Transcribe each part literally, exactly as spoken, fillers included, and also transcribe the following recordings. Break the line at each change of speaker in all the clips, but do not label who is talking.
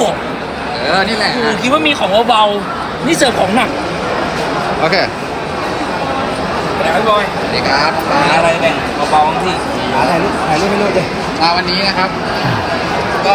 เออนี่แหละ
ผมคิดว่ามีของเบาๆนี่เสิร์ฟของหนัก
โอเค
แต่พี่บอย
สวัสดีครับ
มีอะไรแบ่งเบาๆบ้างพี่
ถ่ายรูปถ่ายรูปให้รูปเลยมาวันนี้นะครับ ก็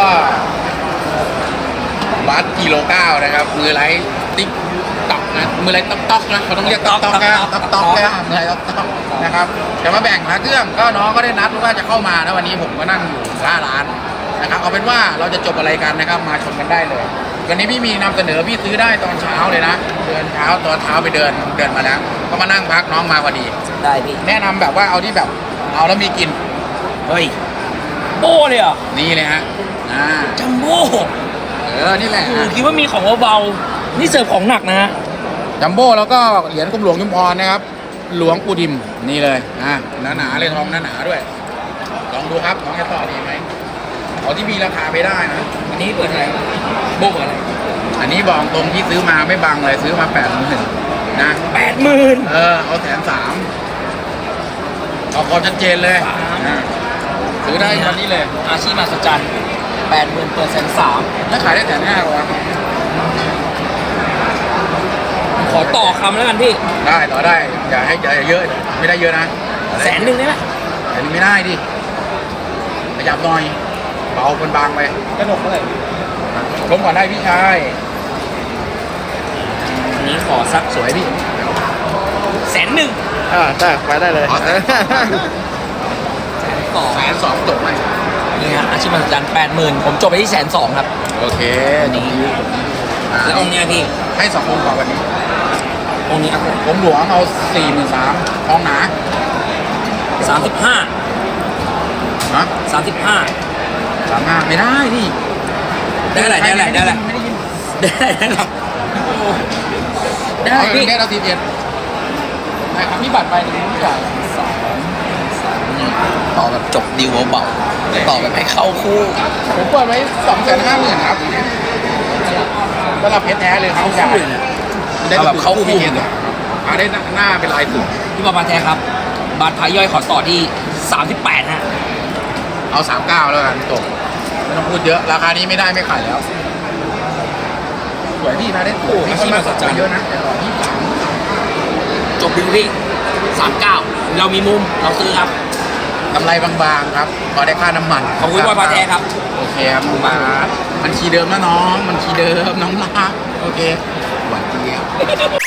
วัดกิโลเก้านะครับมือไรติ๊กตอกนะมือไรต๊อกต๊อกนะเขาต้องเรียกต๊อกต๊อกนะต๊อกต๊อกนะมือไรต๊อกต๊อกนะครับจะมาแบ่งพระเครื่องก็น้องก็ได้นัดว่าจะเข้ามานะวันนี้ผมก็นั่งอยู่หน้าร้านนะครับเอาเป็นว่าเราจะจบอะไรกันนะครับมาชมกันได้เลยวันนี้พี่มีนำเสนอพี่ซื้อได้ตอนเช้าเลยนะเดินเช้าตอนเช้าไปเดินเดินมาแล้วก็มานั่งพักน้องมาพอดี
ได้พี่
แนะนำแบบว่าเอาที่แบบเอาแล้วมีกิน
เฮ้ยโบ้เลยเหรอ่ะ
นี่เลยฮะอ่า
จัมโบ้
เออนี่แหละ
ผมคิดว่ามีของเบาๆนี่เสิร์ฟของหนักนะฮะ
จัมโบ้แล้วก็เหรียญกรมหลวงชุมพรนะครับ หลวงปู่ดิมนี่เลยอ่าหนาหนาๆเลยทองหนาหนาๆด้วยลองดูครับน้องจะต่อดีไหมเอาที่มีราคาไปได้นะ
อันนี้เปิดอะไรโบ้เปิดอะไร
อันนี้บอกตรงที่ซื้อมาไม่บังเลยซื้อมาแปดหมื่นนะ
แปดหมื่น
เออเอาแสนสามเอาความชัดเจนเลยอ่าซื้อได้ตอนนี้เลย
อาชีพมหัศจรรย์แปดหมื่นเปิดแสนสาม
แล้วขายได้แสนห้าหรอวะ
ขอต่อคำแล้วกันพี่
ได้ต่อได้อย่าให้อย่าเยอะไม่ได้เยอะนะ
แสนหนึ่งได้ไหม
แต่นี่ไม่ได้ดิขยับหน่อยเบาเป็นบางไป
กระหนกเท่าไหร่
ลงก่อนได้พี่ชาย
อันนี้ขอสัก
สวยพี่
แสนหนึ่ง
อ่าได้ไปได้เลย
ต่อ
แสนสองจบไหม
นี่ฮะอาชีพมหัศจรรย์แปดหมื่นผมจบไปที่แสนสองครับ
โอเค
นี่
อ่า
แล้วองค์เนี้ยพี่
ให้สององค์ก่อนวันนี้
องค์นี้ครับผม
ผมหลวงเอาสี่หมื่นสามทองหนา
สามสิบห้า
ฮะ
สามสิบห้า
สามห้าไม่ได้ดิ
ได้อะไรได้อะไรได้อะไร
ไม่ได้ยิน
ได้ได้ได้ได้
เอา
พี่
ได้เราสิบเอ็ดแต่คำนี้บัตรไปนี่ไม่จ่าย
ต่อแบบจบดีลเบาๆต่อแบบให้เข้าคู่
ผมเปิดไว้สองแสนห้าหมื่นครับสำหรับเพชรแท้เลยครับ
เข้าคู่เลยนะ เอาแบบเข้าคู่
พี่เห็นอ่าได้หน้าเป็นลายสุด
พี่บอลมาแท้ครับ บาทพายย่อยขอต่อที่สามสิบแปดฮะ
เอาสามเก้าแล้วกันจบไม่ต้องพูดเยอะราคานี้ไม่ได้ไม่ขายแล้วสวยพี่มาได้ถูกมีคนมาสนใจเยอะนะแต่ต่อที่สาม
จบดีลพี่สามเก้าเรามีมุมเราซื้อครับ
กำไรบางๆครับพอได้ค่าน้ำมัน
ขอบคุณบอลมาแท้ครับ
โอเคครับบาทมันชีเดิมนะน้องมันชีเดิมน้องรักโอเคหวานเจี๊ยบ